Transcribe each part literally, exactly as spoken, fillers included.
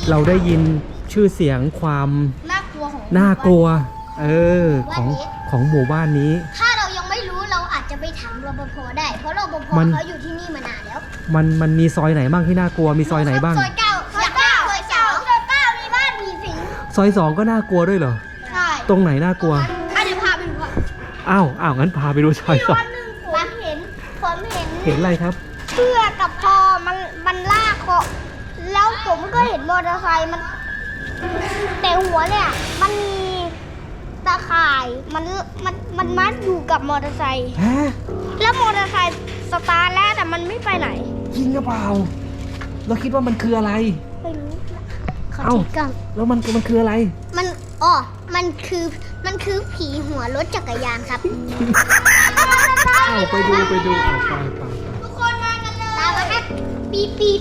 เราได้ยินชื่อเสียงความน่ากลัวของน่ากลัว เออของของหมู่บ้านนี้ถ้าเรายังไม่รู้เราอาจจะไปถามรปภได้เพราะรปภมันเขาอยู่ที่นี่มานานแล้วมันมันมีซอยไหนบ้างที่น่ากลัวมีซอยไหนบ้างซอยเก้าซอยเก้าซอยเก้าซอยเก้ามีบ้านผีสิงซอยสองก็น่ากลัวด้วยเหรอใช่ตรงไหนน่ากลัวอ่ะเดี๋ยวพาไปดูก่อนอ้าวอ้าวงั้นพาไปดูซอยสองวันหนึ่งผมเห็นผมเห็นเห็นอะไรครับเสื้อกับคอมันมันลากคอแล้วผมก็เห็นมอเตอร์ไซค์มันแต่หัวเนี่ยมันมีตะข่ายมันมันมันมัดอยู่กับมอเตอร์ไซค์ฮะแล้วมอเตอร์ไซค์สตาร์ทแล้วแต่มันไม่ไปไหนจริงหรือเปล่าเราคิดว่ามันคืออะไรไม่รู้เขาเอ้าติดกล้องแล้วมันมันคืออะไรมันอ๋อมันคือมันคือผีหัวรถจักรยานครับอ้าวไปดูไปดูเอาไปไปไปทุกคนมากันเลยตามมาครับปี๊บปี๊บ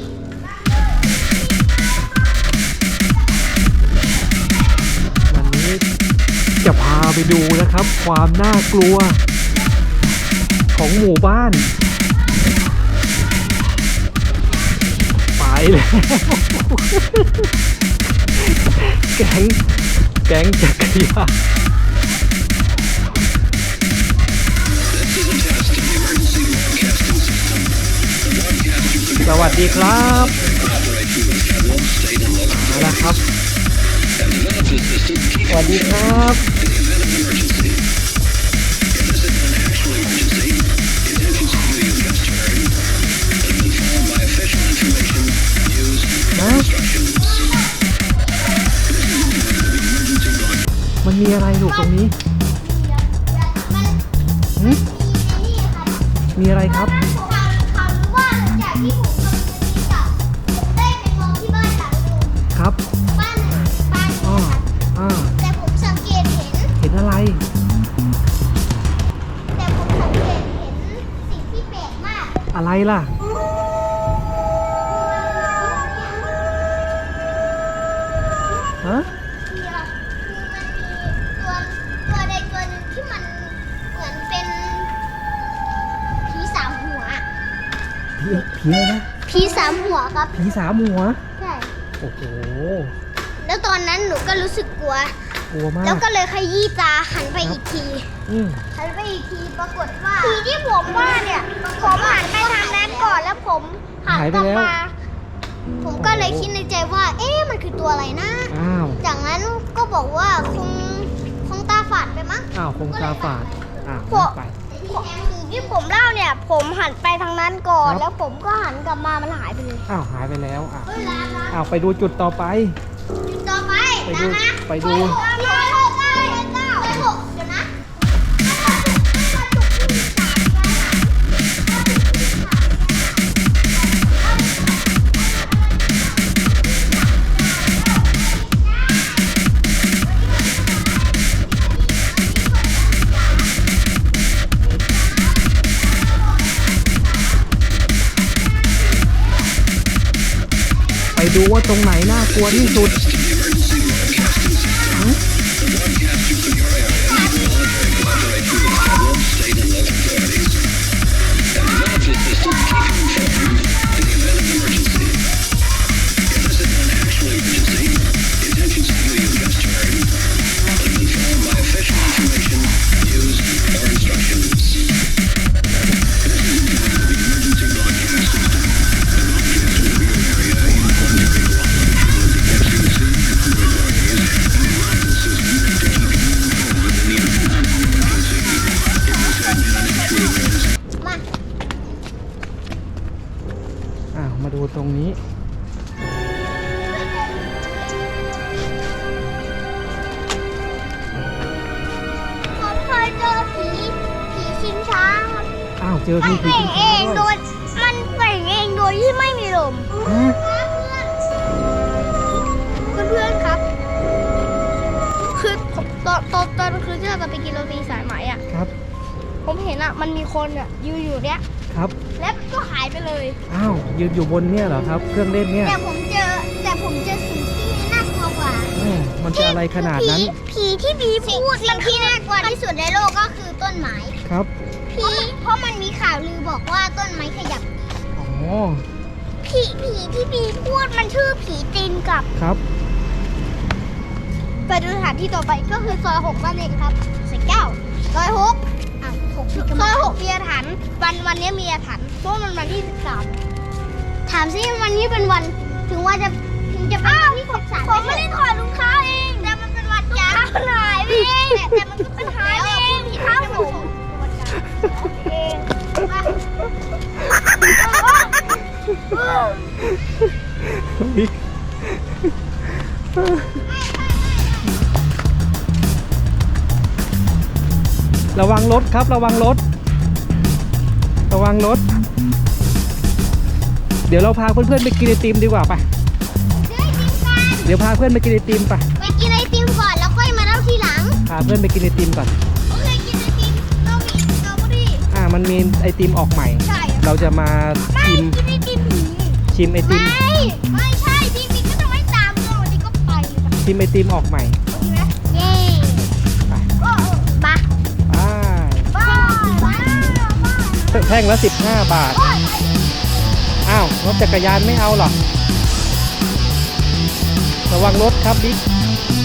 วันนี้จะพาไปดูนะครับ ความน่ากลัว ของหมู่บ้าน ไปแล้วแก๊งแก๊งจักรยานสวัสดีครับมาแล้วครับ สวัสดีครับนะมันมีอะไรลูกตรงนี้มันหึมีนี่ครับมีอะไรครับผมถามว่าหลังจากที่ผมทำงานนี้กลับผมได้ไปมองที่บ้านหลังนึงครับบ้านบ้านอ้อนี้ครับอ้าแต่ผมสังเกตเห็นเห็นอะไรแต่ผมสังเกตเห็นสิ่งที่แปลกมากอะไรล่ะ ฮะคือมันมีตัวตัวใดตัวหนึ่งที่มันเหมือนเป็นผีสามหัวผีผีอะไรนะผีสามหัวครับผีสามหัวใช่โอ้โหแล้วตอนนั้นหนูก็รู้สึกกลัวกลัวมากแล้วก็เลยขยี้ตาหันไปอีกทีอืมหันไปอีกทีปรากฏว่าผีที่ผมว่าเนี่ยผมหันไปทางนั้นก่อนแล้วผมหันกลับมาผมก็เลยคิดในใจว่า เอ๊ะมันคือตัวอะไรนะอ้าวจากนั้นก็บอกว่าคงคงตาฝาดไปมั้งอ้าว คงตาฝาด อ้าวพวกไปผีที่ผมเล่าเนี่ย ผมหันไปทางนั้นก่อนครับแล้วผมก็หันกลับมามันหายไปเลยอ้าว หายไปแล้ว อ้าวเฮ้ยร้านร้านอ้าว ไปดูจุดต่อไปจุดต่อไปไปดูนะไปดูหกเก้าหกเก้าเก้าหกเดี๋ยวนะไปดูว่าตรงไหนน่ากลัวที่สุดหึมาอ้าว มาดูตรงนี้ผมเคยเจอผีผีชิงช้าครับอ้าว เจอมัมีนผีเป่งชิงเอช้างโดด้วยยมันเป่งเองโดยที่ไม่มีลมฮะเพื่อนๆครับ คือผมตอนตอนตอนคืนที่เราจะไปกินโรตีสายไหมอ่ะครับผมเห็นอ่ะมันมีคนอ่ะยืนอยู่เนี้ยครับแล้วก็หายไปเลยอ้าว ยืนอยู่บนเนี่ยเหรอครับ เครื่องเล่นเนี่ยแต่ผมเจอแต่ผมเจอสิ่งที่น่ากลัวกว่าอ้าวมันจะอะไรขนาดนั้นผีที่ผีพูดสิ่งที่น่ากลัวที่สุดในโลกก็คือต้นไม้ครับผีเพราะมันมีข่าวลือบอกว่าต้นไม้ขยับอ๋อผีผีผีที่บีพูดมันชื่อผีตีนกับครับไปดูสถานที่ต่อไปก็คือซอยหกนั่นเองครับสิบเก้าซอยหกอ่ะหกซอยหกมีอาถรรพ์วันวันนี้มีอาถรรพ์เพราะมันวันที่สิบสามถามซิวันนี้เป็นวันถึงว่าจะถึงจะเป็นวันที่สิบสามผมไม่ได้ถอดรองเท้าเองแต่มันเป็นวันจันทร์หายไปเองแต่แต่มันก็เป็นหายเองผิดเท้าผมเองมาระวังรถครับระวังรถระวังรถเดี๋ยวเราพาเพื่อนๆไปกินไอติมดีกว่าไปเดี๋ยวพาเพื่อนไปกินไอติมไปไปกินไอติมก่อนแล้วค่อยมาเล่าทีหลังพาเพื่อนไปกินไอติมก่อนโอเคกินไอติมเรามีสตรอเบอรี่อ่ามันมีไอติมออกใหม่ใช่เราจะมาไม่ชิมกินไอติมผีชิมไอติมไม่ไม่ใช่จริงๆก็จะไม่ตามเรื่องวันนี้ก็ไปเลยชิมไอติมออกใหม่โอเคไหมเย้ไปโอ้มาไปบ้าบ้าบ้าแท่งละสิบห้าบาทโอ้ยอ้าวรถจักรยานไม่เอาหรอระวังรถครับบิ๊ก